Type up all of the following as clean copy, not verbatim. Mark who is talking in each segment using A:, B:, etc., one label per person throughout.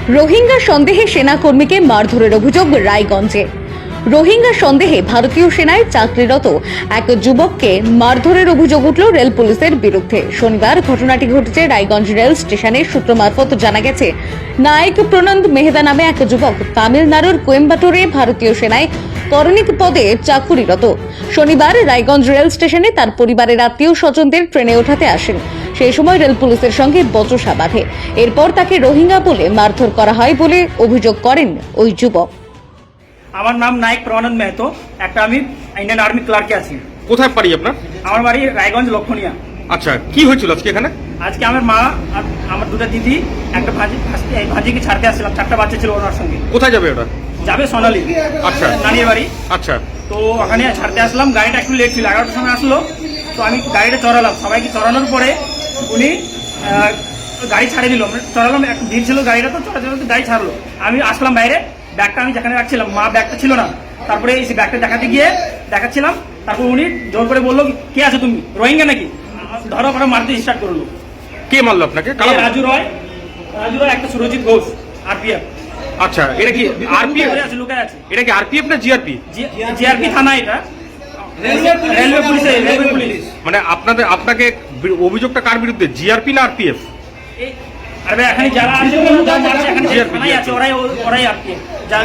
A: রোহিঙ্গা সন্দেহে সেনাকর্মীকে মারধরের অভিযোগ রায়গঞ্জে। রোহিঙ্গা সন্দেহে ভারতীয় সেনায় চাকরিরত এক যুবককে মারধরের অভিযোগ উঠল রেল পুলিশের বিরুদ্ধে। শনিবার ঘটনাটি ঘটেছে রায়গঞ্জ রেল স্টেশনের সূত্র মারফত জানা গেছে, নায়ক প্রনন্দ মেহতা নামে এক যুবক তামিলনাড়ুর কোয়েম্বাটোরে ভারতীয় সেনায় করণিক পদে চাকুরিরত। শনিবার রায়গঞ্জ রেল স্টেশনে তার পরিবারের আত্মীয় স্বজনদের ট্রেনে ওঠাতে আসেন। সেই সময় রেল পুলিশের সঙ্গে বচসা বাঁধে। এরপর তাকে রোহিঙ্গা বলে মারধর করা হয় বলে অভিযোগ করেন ওই যুবক।
B: আমার নাম নায়ক প্রনন্দ মেহতো, একটা আমি ইন্ডিয়ান আর্মি ক্লার্কে আছি।
C: কোথায় বাড়ি আপনার?
B: আমার বাড়ি রায়গঞ্জ লক্ষণিয়া।
C: আচ্ছা, কি হয়েছিল আজকে এখানে?
B: আজকে আমার মা আর আমার দুটো দিদি একটা ভাজিকে ছাড়তে আসছিলাম, 4টা বাচ্চা ছিল ওনার সঙ্গে।
C: কোথায় যাবে ওটা?
B: যাবে সোনালি।
C: আচ্ছা,
B: নানির বাড়ি।
C: আচ্ছা,
B: তো ওখানে ছাড়তে আসলাম, গাড়িটা একটু লেট ছিল, 11টার সময় আসলো। তো আমি গাড়িটা চড়ালাম, সবাইকে চড়ানোর পরে উনি গাড়ি ছাড়িয়ে দিল। চড়ালাম, একটু ভিড় ছিল গাড়িটা, তো চড়াতে গাড়ি ছাড়লো। আমি আসলাম বাইরে, ব্যাগটা আমি যেখানে রাখছিলাম, মা ব্যাগটা ছিল না। তারপরে এই ব্যাগটা দেখাতে গিয়ে দেখাচ্ছিলাম, তারপর উনি জোর করে বললো, কে আছে তুমি, রোহিঙ্গা নাকি? ধরো করে মারতে স্টার্ট করলো।
C: কে মারলো আপনাকে?
B: রাজু রয়, একটা সুরজিৎ ঘোষ, আরপিএফ।
C: আচ্ছা, এটা কি আরপিএফ?
B: লুকায় আছে।
C: এটা কি আরপিএফ না জিআরপি?
B: জিআরপি থানা, এটা রেলওয়ে পুলিশ।
C: মানে আপনাকে অভিযোগটা কার বিরুদ্ধে, জিআরপি না আরপিএফ?
B: আরে এখানে যারা আছে থানায় আছে, ওরাই আরপিএফ।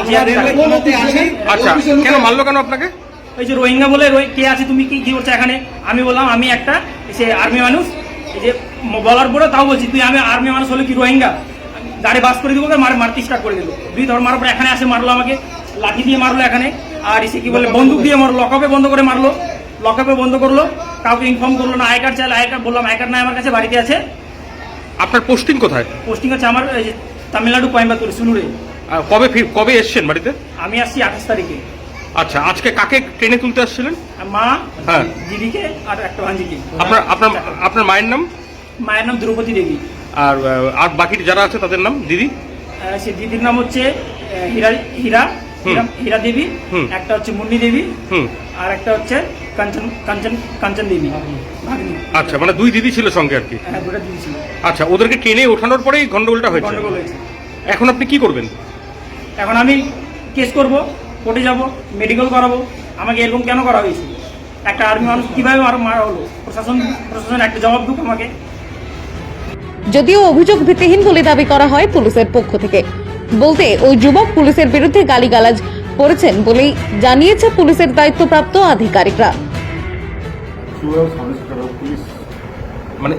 C: আচ্ছা, কেন মারলো কেন আপনাকে?
B: ওই যে রোহিঙ্গা বলে, কে আছে তুমি, কি করছো এখানে? আমি বললাম আমি একটা সে আর্মি মানুষ। এই যে বলার পরে তাও বলছি, তুই আমি আর্মি মানুষ হলে কি রোহিঙ্গা? গাড়ি বাস করে দিব, মারতে স্টার্ট করে দিল। দুই ধর মারার পর এখানে আসে মারলো আমাকে, লাঠি দিয়ে মারলো এখানে। আর এসে কি বলে বন্দুক দিয়ে মারলো, লকআপে বন্ধ করে মারলো। লকআপে বন্ধ করলো, কাউকে ইনফর্ম করলো না। আই কার্ড চাইলে, আই কার্ড বললাম আই কার্ড নাই আমার কাছে, বাড়িতে আছে।
C: আপনার পোস্টিং কোথায়?
B: পোস্টিং আছে আমার তামিলনাড়ু কোয়েম্বাটোর সুলুরে।
C: কবে এসছেন বাড়িতে?
B: আমি আসছি 28 তারিখে।
C: আচ্ছা, আজকে কাকে ট্রেনে তুলতে আসছিলেন?
B: মা,
C: হ্যাঁ,
B: দিদিকে আর একটা ভাঞ্জিকে।
C: আপনার মায়ের নাম?
B: মায়ের নাম দ্রৌপদী দেবী।
C: আর বাকি যারা আছে তাদের নাম? দিদি,
B: সে দিদির নাম হচ্ছে হীরা দেবী, একটা হচ্ছে মুন্নি দেবী, আর একটা হচ্ছে কাঞ্চন দেবী।
C: আচ্ছা, মানে দুই দিদি ছিল সঙ্গে আর কি?
B: হ্যাঁ, দুটো দিদি ছিল।
C: আচ্ছা, ওদেরকে ট্রেনে ওঠানোর পরেই গন্ডগোলটা হয়েছে? এখন আপনি কি করবেন?
B: এখন আমি কেস করব, কোর্টে যাব, মেডিকেল করাবো। আমাকে এরকম কেন করা হয়েছে? একটা আর্মি মানুষ কিভাবে মারা হলো? প্রশাসন একটা জবাব দিক আমাকে।
A: যদিও অভিযোগ ভিত্তিহীন বলে দাবি করা হয় পুলিশের পক্ষ থেকে। বলতে ওই যুবক পুলিশের বিরুদ্ধে গালিগালাজ করেছেন বলেই জানিয়েছে পুলিশের দায়িত্বপ্রাপ্ত আধিকারিকরা।
C: মানে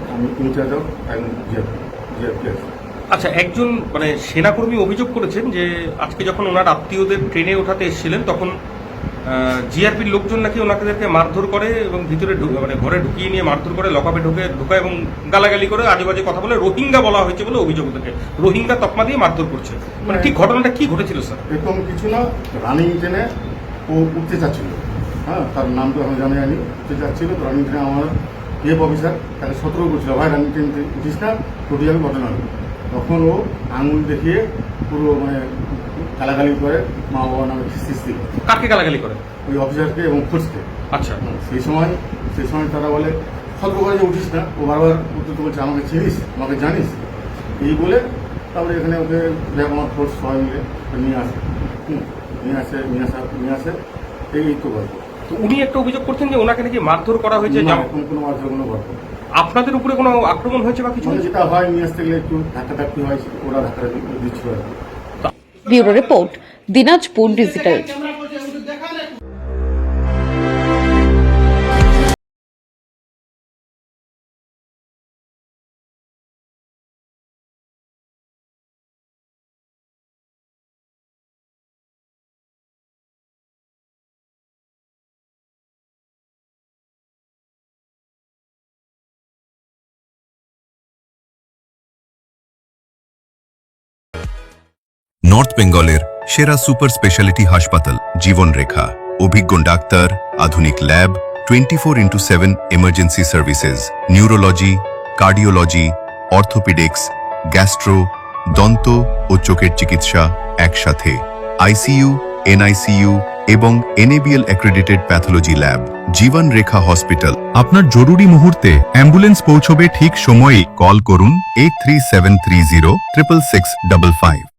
C: আচ্ছা, একজন মানে সেনাকর্মী অভিযোগ করেছেন যে আজকে যখন ওনার আত্মীয়দের ট্রেনে ওঠাতে এসেছিলেন তখন জিআরপির লোকজন নাকি ওনাদেরকে মারধর করে এবং ভিতরে মানে ঘরে ঢুকিয়ে নিয়ে মারধর করে, লকআপে ঢুকায় এবং গালাগালি করে, আজেবাজে কথা বলে রোহিঙ্গা বলা হয়েছে বলে অভিযোগ। ওদেরকে রোহিঙ্গা তকমা দিয়ে মারধর করছে। মানে ঠিক ঘটনাটা কি ঘটেছিল স্যার?
D: এরকম কিছু না, রানিং ট্রেনে ও উঠতে চাচ্ছিল। হ্যাঁ, তার নাম তো আমি জানি উঠতে চাচ্ছিল। তো রানিং ট্রেনে আমার অফিসার তাকে সতর্ক করছিল, ভাই রানিং ট্রেন উঠিস না, টোটি যাবে ঘটনা। তখন ও আঙুল দেখিয়ে পুরো মানে গালাগালি করে, মা বাবা নামে খিস্তিস দিল।
C: কাকে গালাগালি করে?
D: ওই অফিসারকে এবং ফোর্সকে। আচ্ছা, সেই সময় তারা বলে সতর্ক করে যে উঠিস না। ও বারবার উত্তর বলছে, আমাকে চিনিস, আমাকে জানিস, এই বলে তারপরে এখানে ওকে দেখ আমার ফোর্স সবাই মিলে নিয়ে আসে এই তো গল্প।
C: তো উনি একটা অভিযোগ করছেন যে ওনাকে নাকি মারধর করা হয়েছে।
D: কোনো মারধর, কোনো গল্প।
C: আপনাদের উপরে কোনো আক্রমণ হয়েছে বা কিছু?
D: যেটা হয় নিয়ে আসতে গেলে একটু ধাক্কাধাক্কি হয়, ওরা ধাক্কা দিচ্ছিল।
A: Bureau report, Dinajpur digital.
E: North বেঙ্গলের সেরা সুপার স্পেশালিটি হাসপাতাল জীবন রেখা, অভিজ্ঞ ডাক্তার, আধুনিক lab, 24/7 emergency services, neurology, cardiology, orthopaedics, gastro, দন্ত ও চোখের চিকিৎসা একসাথে, আইসিইউ, এনআইসিইউ এবং NABL accredited pathology lab. Jibon Rekha hospital. আপনার জরুরি মুহূর্তে অ্যাম্বুলেন্স পৌঁছবে ঠিক সময়ে। কল করুন 83730 66655।